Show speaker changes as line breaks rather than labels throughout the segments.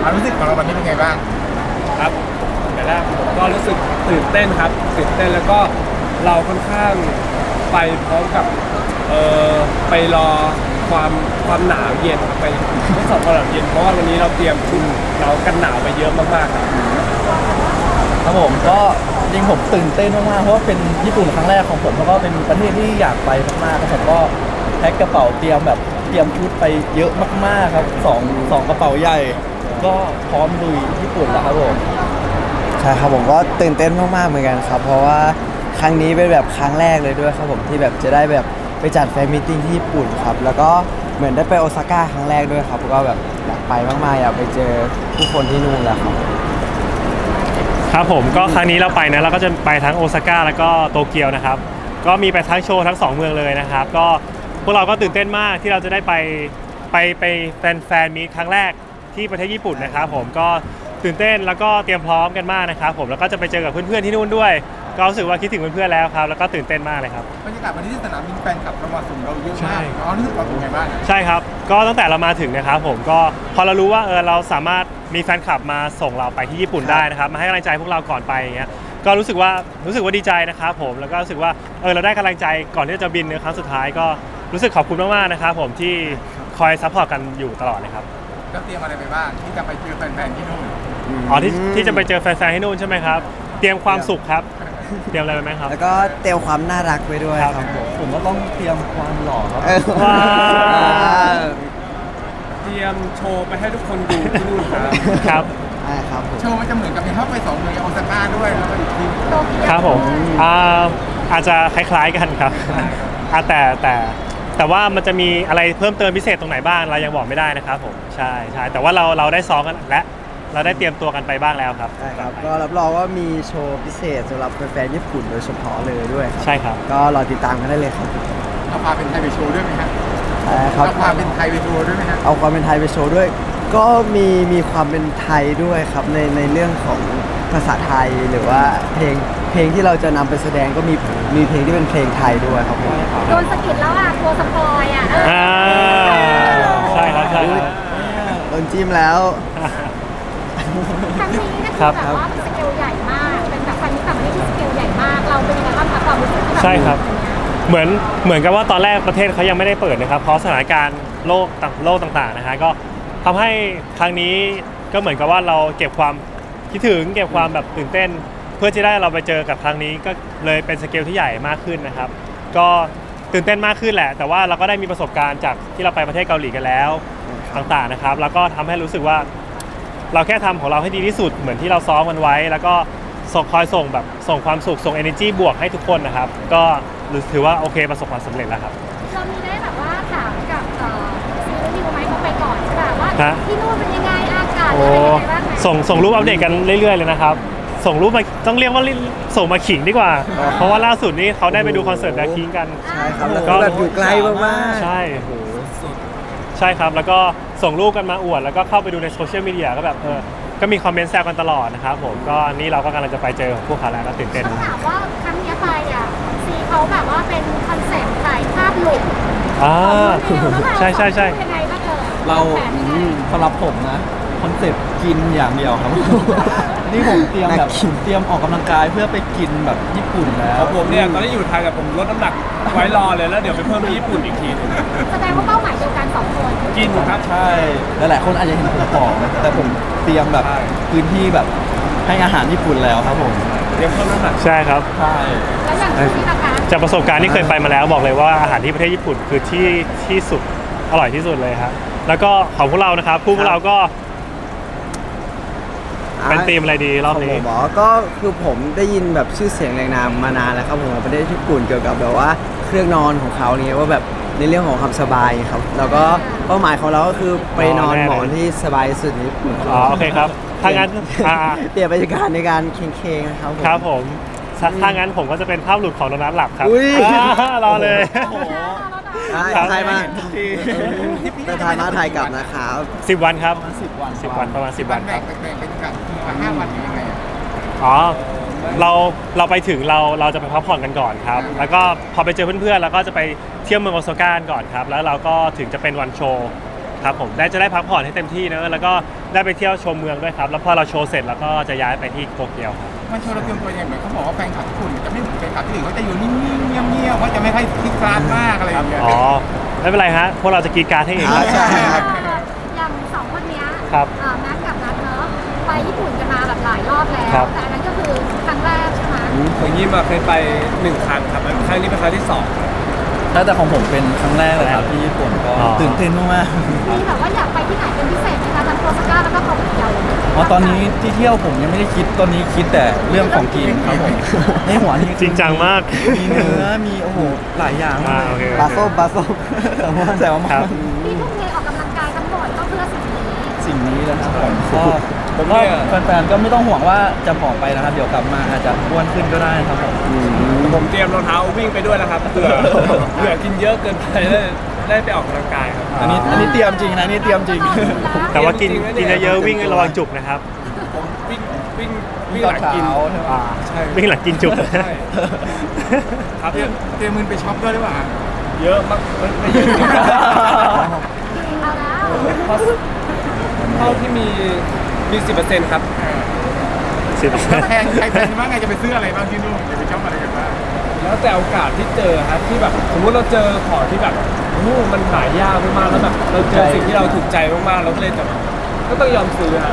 ความรู้สึกของเราวันนี้เป็นไงบ้าง
ครับแต่แรกผมก็รู้สึกตื่นเต้นครับตื่นเต้นแล้วก็เราค่อนข้างไปพร้อมกับไปรอความหนาวเย็นไปทดสอบความหนาวเย็นเพราะว่าวันนี้เราเตรียมชุดเรากันหนาวไปเยอะมากๆครับ
ครับผมก็จริงผมตื่นเต้นมากๆเพราะว่าเป็นญี่ปุ่นครั้งแรกของผมแล้วก็เป็นประเทศที่อยากไปมากๆครับผมก็แพ็คกระเป๋าเตรียมชุดไปเยอะมากๆครับสองกระเป๋าใหญ่ก็พร้อมลุยญี่ปุ่นแล้วครับผม
ใช่ครับผมก็ตื่นเต้นมากๆเหมือนกันครับเพราะว่าครั้งนี้เป็นแบบครั้งแรกเลยด้วยครับผมที่แบบจะได้แบบไปจัดแฟนมีตติ้งที่ญี่ปุ่นครับแล้วก็เหมือนได้ไปโอซาก้าครั้งแรกด้วยครับก็แบบอยากไปมากๆอยากไปเจอผู้คนที่นู่นแล้วครับ
ครับผมก็ครั้งนี้เราไปนะเราก็จะไปทั้งโอซาก้าแล้วก็โตเกียวนะครับก็มีไปทั้งโชว์ทั้ง2เมืองเลยนะครับก็พวกเราก็ตื่นเต้นมากที่เราจะได้ไปแฟนมีตครั้งแรกที่ประเทศญี่ปุ่นนะครับผมก็ตื่นเต้นแล้วก็เตรียมพร้อมกันมากนะครับผมแล้วก็จะไปเจอกับเพื่อนๆที่นู่นด้วยก็รู้สึกว่าคิดถึงเพื่อนๆแล้วครับแล้วก็ตื่นเต้นมากเลยครับ
บรรยากาศวันนี้ที่สนามบินแฟนคลับเรามาส่งเราเยอะมากรู้สึกว่าเป็นไงบ้าง
ใช่ครับก็ตั้งแต่เรามาถึงนะครับผมก็พอเรารู้ว่าเราสามารถมีแฟนคลับมาส่งเราไปที่ญี่ปุ่นได้นะครับมาให้กำลังใจพวกเราก่อนไปอย่างเงี้ยก็รู้สึกว่าดีใจนะครับผมแล้วก็รู้สึกว่าเราได้กำลังใจก่อนที่จะบินในครั้งสุดท้ายก็รู้สึกขอบคุณมากๆนะครับผมที่คอยซัพพอร์ตกันอยู่ตลอดเลยครับ
แล้วเตรียมอะไรไปบ้างที่จะไปเจอแฟนๆที่นู่น
ที่จะไปเจอแฟนๆที่นู่นใช่ไหมครับเตรียมความสุขครับเตรียมอะไรไปไหมครับ
แล้วก็เตรียมความน่ารักไว้ด้วยครับ
ผมก็ต้องเตรียมความหล่อครับ
ว้า
เตรียมโชว์ไปให้ทุกคนดูที่นู่น
ครับ
ใช่ครับ
โชว์มันจะเหมือนกับมีเข้าไป2เมืองโอซาก้าด้วยแล้วก็อีกที
ครับผมอาจจะคล้ายๆกันครับแต่ว่ามันจะมีอะไรเพิ่มเติมพิเศษตรงไหนบ้างเรายังบอกไม่ได้นะครับผมใช่แต่ว่าเราได้ซ้อมกันและเราได้เตรียมตัวกันไปบ้างแล้วครับ
ใช่ครับก็รับรองว่ามีโชว์พิเศษสำหรับแฟนๆญี่ปุ่นโดยเฉพาะเลยด้วย
ใช่ครับ
ก็รอติดตามกันได้เลยครับ
เอาความเป็นไทยไปโชว์ด้วยไหมครับ
เอา
ความเป็นไทยไปโชว์ด้วยไหมครับ
เอาความเป็นไทยไปโชว์ด้วยก็มีความเป็นไทยด้วยครับในเรื่องของภาษาไทยหรือว่าเพลงที่เราจะนำไปแสดงก็มีเพลงที่เป็นเพลงไทยด้วยครับผม
โดนสกิดแล้วอ่ะตัวสปอยอ่ะ
ใช่ครับ
โดนจิ้มแล้ว
ครั้งนี้นะคะแบบว่าสเกลใหญ่มากเป็นแบบครั้งนี้ต่างประเทศที่สเกลใหญ่มากเราเป็นยังไงบ้างคะความรู้สึก
ใช่ครับเหมือนกับว่าตอนแรกประเทศเขายังไม่ได้เปิดนะครับเพราะสถานการณ์โลกต่างๆนะฮะก็ทำให้ครั้งนี้ก็เหมือนกับว่าเราเก็บความคิดถึงเก็บความแบบตื่นเต้นเพื่อที่ได้เราไปเจอกับครั้งนี้ก็เลยเป็นสเกลที่ใหญ่มากขึ้นนะครับก็ตื่นเต้นมากขึ้นแหละแต่ว่าเราก็ได้มีประสบการณ์จากที่เราไปประเทศเกาหลีกันแล้วต่างๆนะครับแล้วก็ทำให้รู้สึกว่าเราแค่ทำของเราให้ดีที่สุดเหมือนที่เราซ้อมกันไว้แล้วก็คอยส่งความสุขส่ง energy บวกให้ทุกคนนะครับก็ถือว่าโอเคประสบความสำเร็จแล้วครับ
เรามีได้แบบว่าถามกับซีรีส์ไหมเขาไปก่อนใช่ป่ะว่าที่นู่นเป็นยังไงอากาศเป็นยังไงบ้าง
ส่งรูปอัปเดตกันเรื่อยๆเลยนะครับส่งรูปมาต้องเรียกว่าส่งมาขิงดีกว่าเพราะว่าล่าสุดนี้เขาได้ไปดูคอนเสิร์ตแบล็คพิงค์กัน
ใช่ครับแล้วก็แบบอยู่ไกลมาก
ๆใช่ใช่ครับแล้วก็ส่งรูปกันมาอวดแล้วก็เข้าไปดูในโซเชียลมีเดียก็แบบก็มีคอมเมนต์แซวกันตลอดนะครับผมก็นี่เราก็กำลังจะไปเจอพวกเขาแล้วก็ตื่นเต้น
ต้องถามว่าครั้งนี้ไปอ่ะซีเขาแบบว่าเป็นคอนเซ็ปต์ถ่ายภาพหลุด
ใช่
ยังไงบ้าง
เราสำหรับผมนะคอนเซ็ปต์กินอย่างเดียวครับนี่ผมเตรียมออกกำลังกายเพื่อไปกินแบบญี่ปุ่นแล้ว
ผมเนี่ยตอนนี้อยู่ไทยแต่ผมลดน้ำหนักไว้รอเลยแล้วเดี๋ยวไปเพิ่มที่ญี่ปุ่นอีกทีนึง
แสดงว่าเป้าหมายเดียวกัน2คน
กินครับ
ใช่หลายๆคนอาจจะเห็นผมผอมแต่ผมเตรียมแบบพื้นที่แบบให้อาหารญี่ปุ่นแล้วครับผม
เตรียมเพิ่มน้ำหนัก
ใช่ครับ
ใช่
แล้วอย่างที่นะคะ
จากประสบการณ์ที่เคยไปมาแล้วบอกเลยว่าอาหารที่ประเทศญี่ปุ่นคือที่สุดอร่อยที่สุดเลยครับแล้วก็ของพวกเรานะครับพวกเราก็เป็นธีมอะไรดีรอบนี้
ผมก็คือผมได้ยินแบบชื่อเสียงแรงนามมานานแล้วครับผมประเทศญี่ปุ่นเกี่ยวกับแบบว่าเครื่องนอนของเขาเนี่ยว่าแบบในเรื่องของความสบายครับแล้วก็เป้าหมายของเราก็คือไปนอนหมอนที่สบายสุดในญี่ปุ่น
โอเคครับถ้างั้น
เปลี่ยนบรรยากาศในการเคงๆนะครับ
ครับผมถ้างั้นผมก็จะเป็นภาพหลุดของโดนัทหลับครับรอเลย
ถ่ายมาแต่ถ่ายมาถ่ายกลับนะครับ
10 วันครับ
10 วัน
ประมาณ10 วันครับ
แบ่งเป็นกัน5 วันหรือยังไง
เราไปถึงเราจะไปพักผ่อนกันก่อนครับแล้วก็พอไปเจอเพื่อนๆแล้วก็จะไปเที่ยวเมืองโอซาก้าก่อนครับแล้วเราก็ถึงจะเป็นวันโชว์ครับผมจะได้พักผ่อนให้เต็มที่เนอะแล้วก็ได้ไปเที่ยวชมเมืองด้วยครับแล้วพอเราโชว์เสร็จแล้วก็จะย้ายไปที่โตเกียวครับ
มันโชว์เราเตรียมตัวยังไงเหมือนเขาบอกว่าแฟนคลับญี่ปุ่นจะไม่เหมือนแฟนคลับที่อื่นเขาจะอยู่นิ่งๆเงียบๆเขาจะไม่ค่อยคลิกคลาดมากอะไรอย่างเงี้ย
อ๋อไม่เป็นไรฮะพวกเราจะกรีดกรารให้เองครับ
ใช่
อย่างสองคนเนี้ย
ครับ
แม็กกับนัทเนาะไปญี่ปุ่นกันมาแบบหลายรอบแล้ว
ครับ
แต่อันนั้นก็คือครั้งแรกใช่ไหม
อย่างนี้มาเคยไป1 ครั้งครับแล้วครั้งนี้เป็นครั้งที่2
แต่ของผมเป็นครั้งแรกเลยครับที่ญี่ปุ่นก็
อ๋อ
ตื่นเต้นมาก
มีแบบว่าอยากไปที่ไหนเป็นพิเศษไหมคะทั้งโอซาก้าแล้วก็โตเกียว
ๆอ๋อตอนนี้ที่เที่ยวผมยังไม่ได้คิดตอนนี้คิดแต่เรื่องของกินครับผมในหัวนี่
จริงจังมาก
มีเนื้อมีโอ้โหหลายอย่างมาก
โอเค
บาโซบาโซ
แต่ว่า
ครับ
ที่ทุ่มเทออกกำลังกายทั้งหมดก็เพื่อสิ่งนี้
สิ่งนี้แล้วครับผมก็แฟนๆก็ไม่ต้องห่วงว่าจะผอมไปนะครับ เดี๋ยวกลับมาอาจจะอ้วนขึ้นก็ได้ครับผม
ผมเตรียมรองเท้าวิ่งไปด้วยนะครับเผื่อกินเยอะเกินไปได้ไปออกกำลังกายครับ
อันนี้เตรียมจริงนะนี่เตรียมจริง
แต่ว่ากิน
จริงๆนะเนี่ย
เยอะๆวิ่งระวังจุกนะครับ
ผมวิ่งหลังกิน
ใช่ไหม
ใช่
วิ่งหลังกินจุก
ใช่ครับ
เตรียมเงินไปช็อปด้วยหรือเปล่า
เยอะมากไม่เยอะจริง
เอาแล้ว
เพราะเท่าที่มี 10%ครับ
แพงใครแพงบ้างไงจะไปซื้ออะไรบ้างที่นู่นจะไปช็อปอะไรกันบ้าง
แล้วแต่โอกาสที่เจอครับที่แบบสมมติเราเจอของที่แบบโอ้โหมันหายากมากๆแล้วแบบเราเจอสิ่งที่เราถูกใจมากๆเราก็เลยจะก็ต้องยอมซื้อฮะ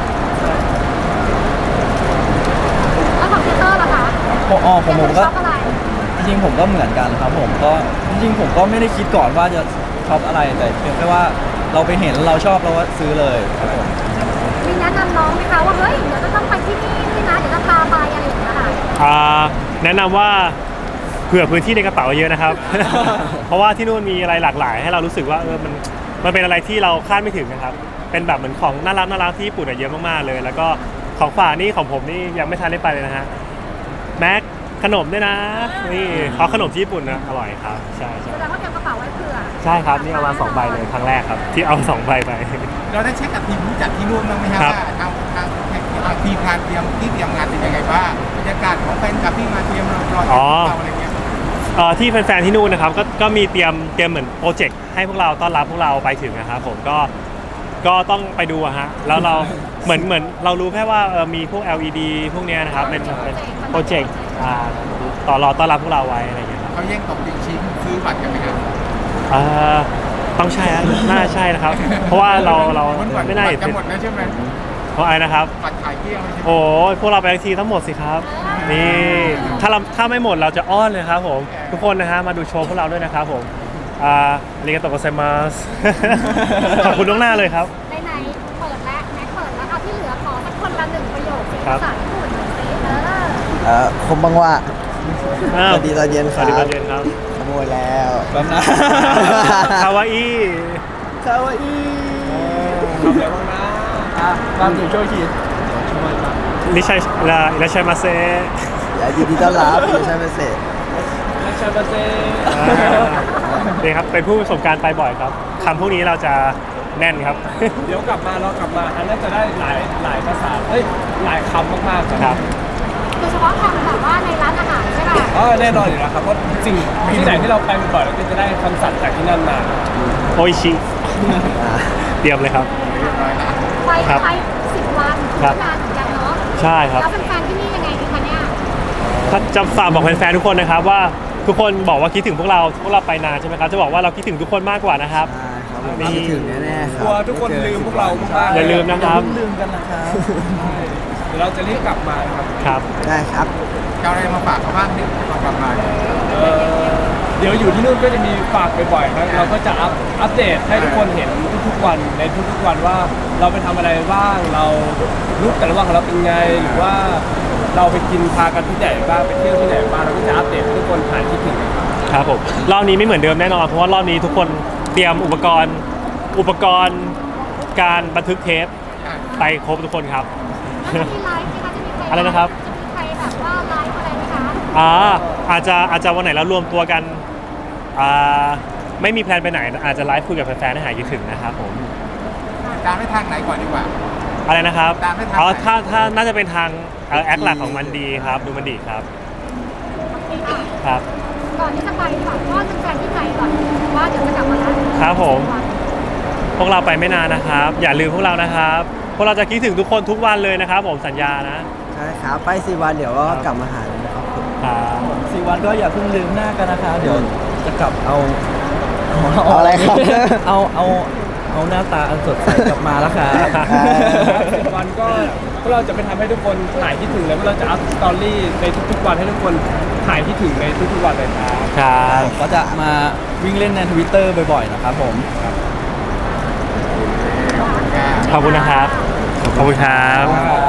แล้วของเทเตอร์ล่ะคะ
ผมก็
ชอบอะไร
จริงๆผมก็เหมือนกันครับผมก็จริงๆผมก็ไม่ได้คิดก่อนว่าจะชอบอะไรแต่เพียงแค่ว่าเราไปเห็นเราชอบเราก็ซื้อเลยครับผม
มีแนะนำน้องไหมคะว่าเฮ้ยเดี๋ยวจะต้องไปที่นี่ด้วยนะเดี๋ยวจะพาไปอะไรอย่างเงี้ยค่ะ
แนะนำว่าเผื่อพื้นที่ในกระเป๋าเยอะนะครับ เพราะว่าที่นู่นมีอะไรหลากหลาย ให้เรารู้สึกว่ามันเป็นอะไรที่เราคาดไม่ถึงนะครับ เป็นแบบเหมือนของน่ารักที่ญี่ปุ่นเยอะมากๆเลย แล้วก็ของฝากนี่ของผมนี่ยังไม่ทันได้ไปเลยนะฮะแม็กขนมด้วยนะนี่เขาขนมที่ญี่ปุ่นนะอร่อยครับใช่
แสดงว่าเตรียมกระเป๋าไว้เผื่อ
ใช่ครับนี่เอามา2 ใบเลยครั้งแรกครับที่เอา2 ใบไป
เราได้เช็คกับทีมผู้จัดที่นู่นบ้างไหมครับ
ครับ
ว่าทางทีมงานเตรียมงานเป็นยังไงบ้างบรรยากาศของแฟนคลับที่มาเตรียมรอเราอะไรเงี้ย
ที่แฟนๆที่นู่นนะครับก็มีเตรียมเหมือนโปรเจกต์ให้พวกเราต้อนรับพวกเราไปถึงนะครับผมก็ต้องไปดูอะฮะแล้วเราเหมือนเรารู้แค่ว่ามีพวก LED พวกเนี้ยนะครับเป็นโปรเจกต์ต้อนรับพวกเราไว้อะไรอย่างเงี้ยครับ
เขาแย่งตบจริงชิ้นซื้อบัตรกันไหมครับ
ต้องใช่ฮะน่าใช่นะครับ เพราะว่าเราไม่น่า
บั
เห็
ต
น
รจะหมดแล้วใช่ไหม
เพราะอะไรนะครับ
บัตรขายเกลี้ยงเลยใช่ไหม
โอ้ยพวกเราไปทีทั้งหมดสิครับนี่ถ้าไม่หมดเราจะอ้อนเลยครับผมทุกคนนะฮะมาดูโชว์พวกเราด้วยนะครับผมอาริกาโตะโกไซมัส ขอบคุณล่วงหน้าเลยครับ
ไหนๆเปิดแล้วแม็กเปิดแล้วเอาที่เหลือขอสักคนละ1 ประโยคเป็น
ครั
ภา
บ
ษาญี่ปุ่นหน่อยสิ
คมบังว่า
อ้าว
สวัสดีตอนเย็นค
ส
รั
วั
บ
สดีตอนเย็นครับ
ขโมยแล้ว
แป๊บนะ
คาวาอิ
คาวาอิ
ทำอะไรบ้างนะ
ตามถึงช่วยขีด
ลิชัยลิชัยมาเซ
อย่ายินดีต้อนรับอยู่ใช่ไหมเสร็จ
และชาบาเซ่
นี่ครับเป็นผู้ประสบการณ์ไปบ่อยครับคำพวกนี้เราจะแน่นครับ
เดี๋ยวกลับมาอันน่าจะได้หลายภาษาหลายคำมากๆ
ครับ
โดยเฉพาะคำแบบว่าในร้านอาหารใช่ป่ะ
แน่นอนอยู่แล้วครับเพราะสิ่งที่ไหนที่เราไปบ่อยเราก็จะได้คำศัพท์จากที่นั่นมา
โออิชิเตรียมเลยครับ
ไป
ครับ
ไป10 วัน
ครับ
นานเหมือนกันเนาะ
ใช่ครับ
แล้วแฟนๆที่นี่ยังไงดีคะเนี่ย
ถ้าจะฝากบอกแฟนๆทุกคนนะครับว่าทุกคนบอกว่าคิดถึงพวกเราไปนานใช่ไหมครับจะบอกว่าเราคิดถึงทุกคนมากกว่านะครับ
นี่คิดถึงแน่ๆค
ก
รั
ลัวทุกคนลืมพวกเรามากๆ
อย่าลืมนะครับ
อย่าเพิ่งลืมกันนะครับ
เดี๋ยวเราจะรีบกลับมานะครับ
ครับ
ได้ครับ
จะเอาอะไรมาฝากเขาบ้างนี่มากลับมา
เดี๋ยวอยู่ที่นู่นก็จะมีฝากบ่อยๆครับเราก็จะอัปเดตให้ทุกคนเห็นทุกๆวันในทุกๆวันว่าเราไปทำอะไรบ้างเรารูปแต่ละวันของเราเป็นไงหรือว่าเราไปกินพากันที่ไหนบ้างไปเที่ยวที่ไหนบ้างเราก็จะอัปเดตให้ทุกคนหายคิดถึงกันครับ
ครับผมรอบนี้ไม่เหมือนเดิมแน่นอนเพราะว่ารอบนี้ทุกคนเตรียมอุปกรณ์การบันทึกเทปไปครบทุกคนครับ
แล้วจะมีไลฟ์ไหมคะจะมีใคร
อะไรนะครับ
จะมีใครแบบว่าไลฟ์อะไรไหมคะ
อาจจะวันไหนเรารวมตัวกันไม่มีแพลนไปไหนอาจจะไลฟ์คุยกับแฟนๆให้หายคิดถึงนะครับผม
ตามไปทางไหนก่อนดีกว่า
อะไรนะครับ
ตามไม่ทัน
ถ้าน่าจะเป็นทางแอคหลักของมันดีครับดูมันดีครับ
โอเคค่ะ
ครับ
ก่อนที่จะไปฝากพ่อแฟนๆที่ไทยก่อนว่าเดี๋ยวจะกลับมาแล้ว
ครับผม
10
พวกเราไปไม่นานนะครับ อย่าลืมพวกเรานะครับ พวกเราจะคิดถึงทุกคนทุกวันเลยนะครับผมสัญญานะ
ใช่ครับไป4 วันเดี๋ยวก็กลับมาหาเลยนะครับ
ครับ
4 วันก็อย่าเพิ่งลืมหน้ากันนะคะเดี๋ยวจะกลับเอา
เอาอะไรครับ
เอาหน้าตาอันสดใสกลับมาแล้วครับ
10 วันก็พวกเราจะไปทำให้ทุกคนหายคิดถึงแล้วพวกเราจะอัพสตอรี่ในทุกๆวันให้ทุกคนหายคิดถึงในทุกๆวันเลยครับ
ครับ
ก็จะมาวิ่งเล่นใน Twitter บ่อยๆนะครับผม
ขอบคุณนะครับ ขอบคุณครับ
ครับ